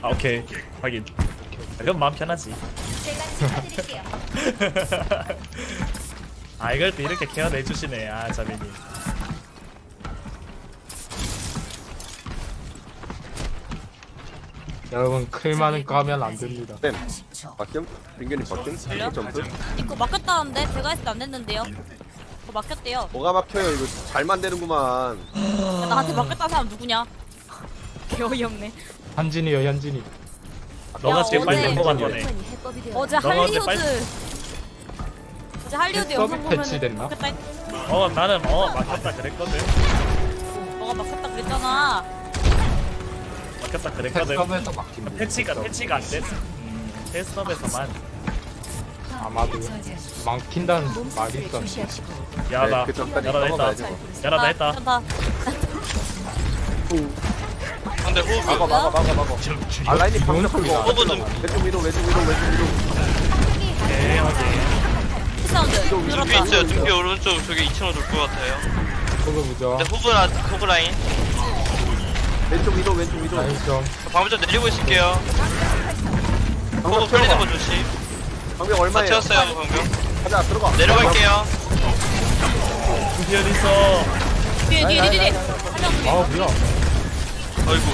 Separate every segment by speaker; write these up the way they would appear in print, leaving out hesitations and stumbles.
Speaker 1: 아 오케이 확인. 그럼 마음 편하지. 아 이걸 또 이렇게 케어를 해주시네. 아 자매님.
Speaker 2: 여러분 클 많은 거 하면 안 됩니다.
Speaker 3: 쌤 박겸? 빙견이 박겸?
Speaker 4: 걸려?
Speaker 3: 점프?
Speaker 4: 이거 막혔다는데 제가 했을 때 안 됐는데요. 그거 막혔대요.
Speaker 3: 뭐가 막혀요 이거 잘 만드는구만.
Speaker 4: 야, 나한테 막혔다는 사람 누구냐? 개어이 없네.
Speaker 2: 현진이요 현진이.
Speaker 1: 너가
Speaker 4: 야,
Speaker 1: 제일 빨리
Speaker 4: 어제-
Speaker 1: 뽑은 거네.
Speaker 4: 어제
Speaker 1: 너가 어제
Speaker 4: 할리우드 어제 할리우드
Speaker 2: 서브
Speaker 4: 영상 보면
Speaker 2: 패치됐나?
Speaker 4: 막혔다 했...
Speaker 1: 나는 막혔다 그랬거든.
Speaker 4: 너가 막혔다 그랬잖아.
Speaker 1: 막혔다 그랬거든.
Speaker 2: 패스업에서 막힙니다.
Speaker 1: 패치가 안 됐어. 테스트업에서만.
Speaker 2: 아마도 막힌다는 말이 있어.
Speaker 1: 야나
Speaker 3: 그 전까지
Speaker 1: 야나
Speaker 3: 넘어가야지
Speaker 1: 했다.
Speaker 3: 뭐.
Speaker 1: 야나 나 했다.
Speaker 4: 괜찮다.
Speaker 5: 상대 호그
Speaker 3: 막아. 아 라인이 방금
Speaker 2: 좋은
Speaker 3: 풀고
Speaker 5: 호그 좀
Speaker 3: 왼쪽 위로 왼쪽 위로.
Speaker 1: 오케이 확인.
Speaker 4: 사운드
Speaker 5: 준비
Speaker 4: 들었다.
Speaker 5: 있어요. 준비 오른쪽 저기 2층으로 돌 것 같아요.
Speaker 2: 그거 보죠.
Speaker 5: 근데 호그 라인.
Speaker 3: 왼쪽 위로 왼쪽 위로.
Speaker 2: 라인 좀.
Speaker 5: 방금 좀 내리고 있을게요. 호그
Speaker 3: 방금
Speaker 5: 풀리는 거 조심.
Speaker 3: 방금
Speaker 5: 다
Speaker 3: 얼마예요?
Speaker 5: 채웠어요 방금.
Speaker 3: 가자 들어가.
Speaker 5: 내려갈게요.
Speaker 1: 두피 어디 있어?
Speaker 4: 뒤에.
Speaker 2: 아 뭐야?
Speaker 5: 아이고.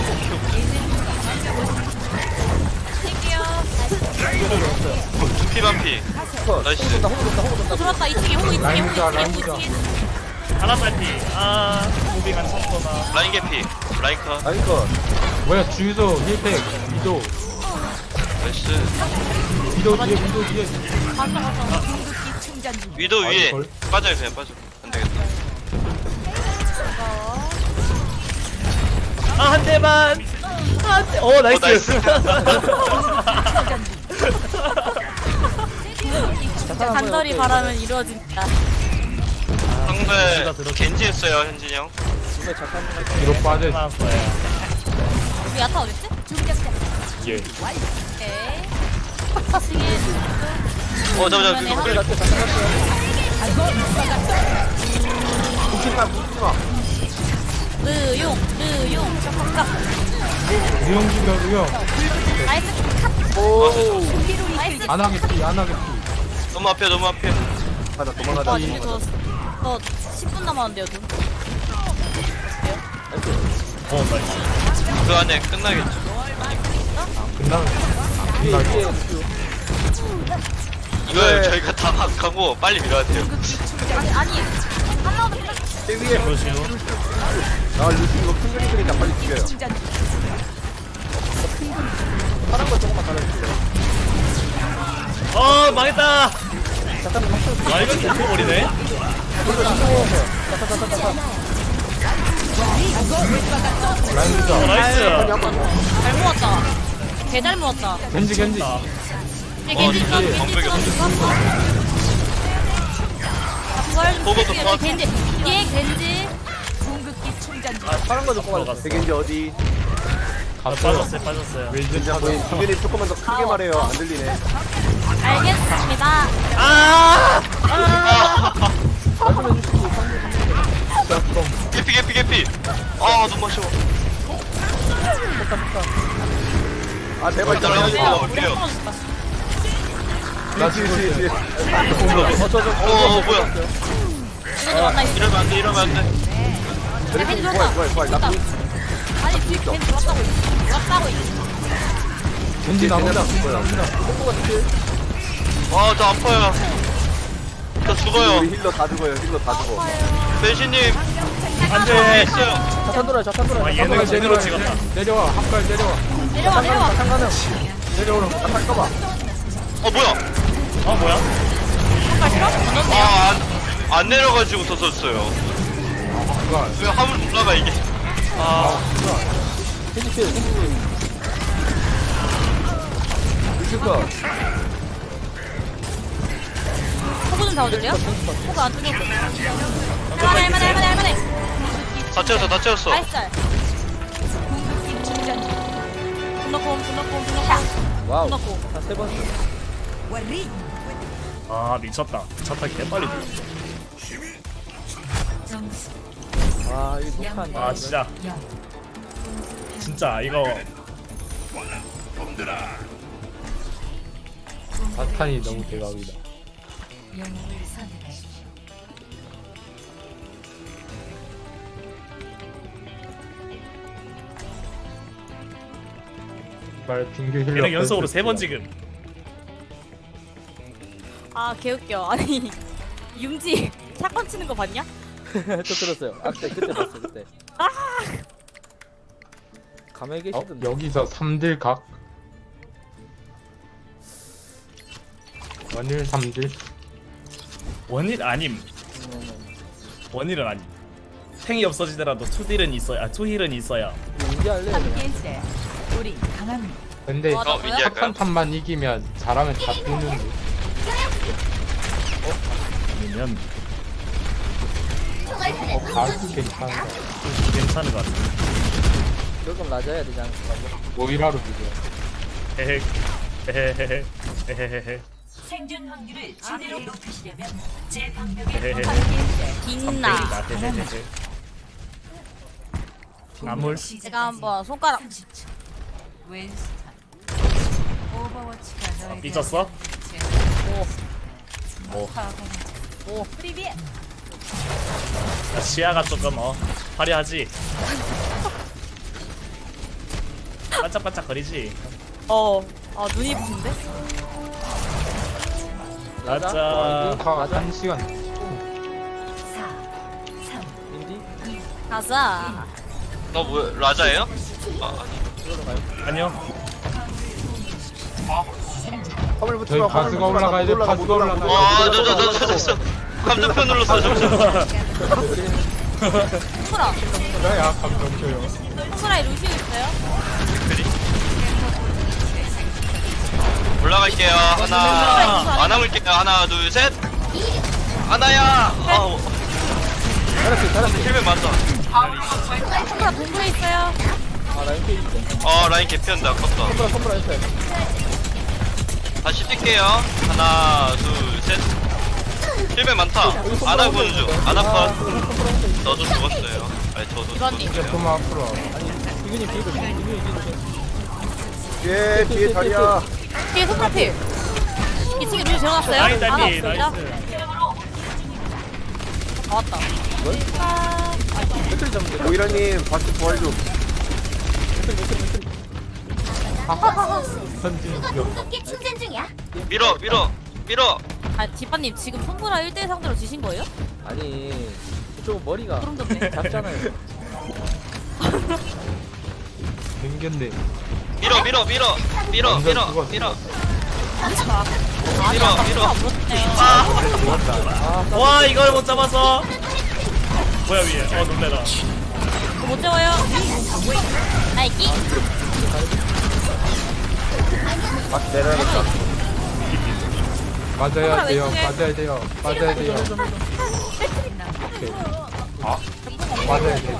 Speaker 4: 할게요.
Speaker 5: 준비 반피. 나이스.
Speaker 4: 들어왔다. 2층에 호구
Speaker 2: 라인
Speaker 4: 2층에
Speaker 2: 보자,
Speaker 4: 호구
Speaker 2: 라인
Speaker 4: 2층에
Speaker 2: 보자.
Speaker 4: 호구 2층에.
Speaker 1: 하나 빨리. 무빙한 쳤구나.
Speaker 5: 라인 개피. 라인 컷.
Speaker 3: 라인 컷.
Speaker 2: 뭐야 주유소 힐팩 위도
Speaker 5: 나이스.
Speaker 2: 위도 뒤에.
Speaker 4: 봤어.
Speaker 5: 위도 위에.
Speaker 2: 걸?
Speaker 5: 빠져요 그냥 빠져. 안 되겠다.
Speaker 1: 한 대만. 나이스.
Speaker 5: 나이스.
Speaker 4: 간절히 바라면 이루어진다.
Speaker 5: 상대 겐지 했어요 현진이 형.
Speaker 2: 뒤로 빠져.
Speaker 1: 나왔어요.
Speaker 4: 우리 야타 어딨지?
Speaker 1: 예.
Speaker 4: 오케이. 2층에
Speaker 5: 잠깐만 이거 끌려.
Speaker 3: 뭉치지마 뭉치지마.
Speaker 4: 르용 짝짝짝.
Speaker 2: 유용 죽여 유용.
Speaker 4: 나이스 컷.
Speaker 3: 오.
Speaker 4: 나이스.
Speaker 2: 안 하겠지.
Speaker 5: 너무 앞에.
Speaker 3: 가자 도망가자.
Speaker 4: 와 근데 너 10분 남았는데요 너.
Speaker 1: 나이스.
Speaker 5: 그 안에 끝나겠죠.
Speaker 2: 끝나면
Speaker 5: 이걸 저희가 다 막하고 빨리 밀어야 돼요.
Speaker 4: 아니 한 라운드 끝났.
Speaker 3: 제 위에.
Speaker 1: 그러시오.
Speaker 3: 아 루시 이거 큰 그림 그리니까 빨리 죽여요. 파란 거 조금만 달아주세요.
Speaker 1: 망했다. 와 이거 계속 버리네.
Speaker 2: 라인 보자.
Speaker 1: 나이스.
Speaker 4: 잘 모았다. 개 잘 모았다.
Speaker 2: 겐지.
Speaker 4: 겐지
Speaker 5: 방벽이 보고도 도와줘.
Speaker 4: 겐지 얘 겐지.
Speaker 3: 파란 거 조금만 달아. 대겐지 어디?
Speaker 1: 빠졌어요.
Speaker 2: 왜 이제
Speaker 3: 진짜
Speaker 2: 찾아?
Speaker 3: 거의 빙견이 조금만 더 크게 말해요. 안 들리네.
Speaker 4: 알겠습니다.
Speaker 5: 개피. 아 너무 아쉬워.
Speaker 3: 아 제발
Speaker 5: 따라가고
Speaker 3: 좀.
Speaker 5: 올게요.
Speaker 2: 나 지금
Speaker 3: 뒤에.
Speaker 5: 뭐야.
Speaker 4: 이거 왔나 있어.
Speaker 5: 이러면 안 돼.
Speaker 4: 겐지 들어왔다.
Speaker 3: 부활. 나
Speaker 4: 아니 뒤에 겐지 들어왔다고 있어.
Speaker 2: 겐지 나온다.
Speaker 5: 저 아파요. 저 죽어요.
Speaker 3: 우리 힐러 다 죽어요.
Speaker 5: 배신님
Speaker 1: 안돼.
Speaker 5: 있어요.
Speaker 1: 와 얘네가 제대로 찍었다.
Speaker 2: 내려와 한발 내려와.
Speaker 4: 내려와.
Speaker 2: 내려오라.
Speaker 5: 뭐야?
Speaker 1: 뭐야?
Speaker 4: 한발 싫어? 던졌네요.
Speaker 5: 안 내려가지고 터졌어요. 왜 화물 올라가 이게?
Speaker 4: 호구 좀 잡아줄래요? 호구 안 뚫렸어. 할만해.
Speaker 5: 다 채웠어.
Speaker 4: 나이스 짤. 분노콤.
Speaker 3: 와우.
Speaker 1: 미쳤다. 미쳤다 개빨리.
Speaker 3: 아 이거 못한.
Speaker 1: 진짜 이거
Speaker 2: 자탄이 너무 대박이다. 말 빙규 힐러.
Speaker 1: 얘는 연속으로 3번 지금.
Speaker 4: 아 개웃겨. 아니 융지 샷건 치는 거 봤냐?
Speaker 3: 저 들었어요. 아 그때 봤어 그때. 가만히 계시던데.
Speaker 2: 여기서 3딜 각. 원일 3딜.
Speaker 1: 원일 아님. 원일은 아님. 탱이 없어지더라도 투딜은 있어야. 투힐은 있어야.
Speaker 3: 인지 할래?
Speaker 2: 근데
Speaker 4: 와,
Speaker 5: 민지 할까요?
Speaker 2: 한 판만 이기면 잘하면 다 뜨는데.
Speaker 1: 아니면
Speaker 2: 가도 괜찮아.
Speaker 1: 괜찮은 것 같아.
Speaker 3: 조금 낮아야 되지 않을까?
Speaker 2: 모이라로 비교.
Speaker 1: 헤헤 헤헤헤헤 헤헤헤헤
Speaker 6: 생존 확률을 제대로 높이시려면 제 방벽에
Speaker 1: 헤헤헤
Speaker 4: 빛나.
Speaker 1: 헤헤헤헤 나물.
Speaker 4: 제가 한번 손가락.
Speaker 6: 30초. 웬스턴. 오버워치가 너에게
Speaker 1: 삐졌어?
Speaker 4: 오 프리비에.
Speaker 1: 시야가 조금 화려하지. 반짝반짝 거리지.
Speaker 4: 아 눈이 부신데?
Speaker 1: 맞아.
Speaker 2: 다 1시간.
Speaker 6: 4, 3,
Speaker 3: 인디?
Speaker 4: 가자.
Speaker 5: 뭐야 라자예요?
Speaker 1: 아니요.
Speaker 3: 화물 붙지
Speaker 2: 저희
Speaker 3: 마.
Speaker 2: 바스가 올라가야 돼. 바스가 올라가야 돼.
Speaker 5: 와저 감정표 눌렀어 잠시만.
Speaker 4: 손가락.
Speaker 2: 야 감정표요.
Speaker 4: 손가락에 루시오 있어요?
Speaker 5: 올라갈게요. 하나 안 남을게요. 하나 둘 셋. 하나야.
Speaker 3: 잘했어.
Speaker 5: 힐맨 맞다.
Speaker 4: 손가락 동굴에 있어요.
Speaker 3: 아 라인 케이지 있어.
Speaker 5: 라인 개피한다. 아깝다.
Speaker 3: 선불 했어요.
Speaker 5: 다시 뛸게요. 하나 둘 셋. 힐맨 많다. 아나 군주. 아나 컷. 너도 죽었어요. 아니 저도
Speaker 4: 이건님.
Speaker 5: 죽었어요.
Speaker 2: 좀 앞으로 와봐.
Speaker 3: 비근이
Speaker 7: 뒤에 뒤에 자리야.
Speaker 4: 뒤에 손가락 필. 2층에 루시 들어갔어요?
Speaker 1: 라인 달리
Speaker 4: 없습니다.
Speaker 1: 나이스.
Speaker 4: 다 왔다.
Speaker 3: 배터리 잡는 거.
Speaker 7: 오이라님 바스 부활 좀.
Speaker 2: 선진 기억.
Speaker 5: 밀어.
Speaker 4: 아 디바님 지금 손보라 1대1 상대로 지신 거예요?
Speaker 3: 아니 그쪽 머리가
Speaker 4: 소름 돋네.
Speaker 3: 작잖아요.
Speaker 2: 생겼네.
Speaker 5: 밀어.
Speaker 2: 좋았다.
Speaker 1: 와 이걸 못 잡아서. 뭐야 위에. 놀래라.
Speaker 4: 못 잡아요. 나이키.
Speaker 7: 바스 내려야겠다.
Speaker 2: 맞아야 돼요.
Speaker 4: 왼쪽에.
Speaker 2: 맞아야 돼요. 맞아야 돼요. 오케이. 아 맞아야 돼.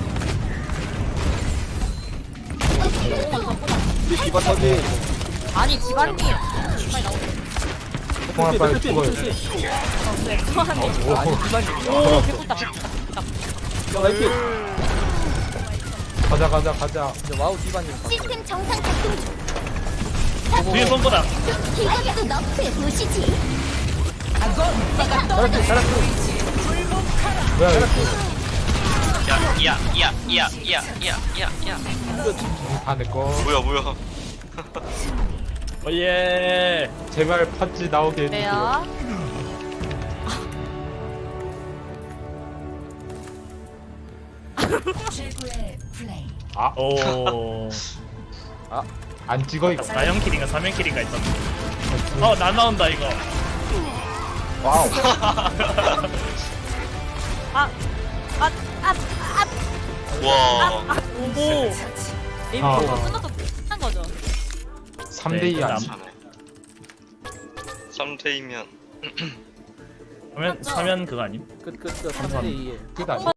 Speaker 7: 디바 터지.
Speaker 4: 아니 디바님이 빨리 나오세요.
Speaker 2: 통화 빨리 죽어요.
Speaker 4: 네, 그만해.
Speaker 2: 오.
Speaker 4: 오 개꿀다.
Speaker 3: 라인 케이지.
Speaker 2: 가자.
Speaker 3: 와우 디바님.
Speaker 8: 시스템 정상 작동 중.
Speaker 1: 뒤에 손보다.
Speaker 8: 이것도 너프에 보시지.
Speaker 2: 뭐야 이거.
Speaker 5: 야.
Speaker 2: 다 내꺼.
Speaker 5: 뭐야.
Speaker 1: 오예.
Speaker 2: 제발 팥지 나오게 해주세요.
Speaker 4: 왜요?
Speaker 6: 최고의 플레이.
Speaker 1: 오.
Speaker 2: 안 찍어 이거.
Speaker 1: 4형 킬인가 3형 킬인가 있던데. 나 나온다 이거.
Speaker 7: 와우.
Speaker 5: 와.
Speaker 1: 오고.
Speaker 4: 게임
Speaker 2: 아.
Speaker 4: 보고 끝나서 끝난 거죠?
Speaker 2: 3대2 안.
Speaker 1: 네,
Speaker 5: 3대이면
Speaker 1: 사면 그거 아님?
Speaker 3: 끝 3대 2에.
Speaker 2: 끝 아니야?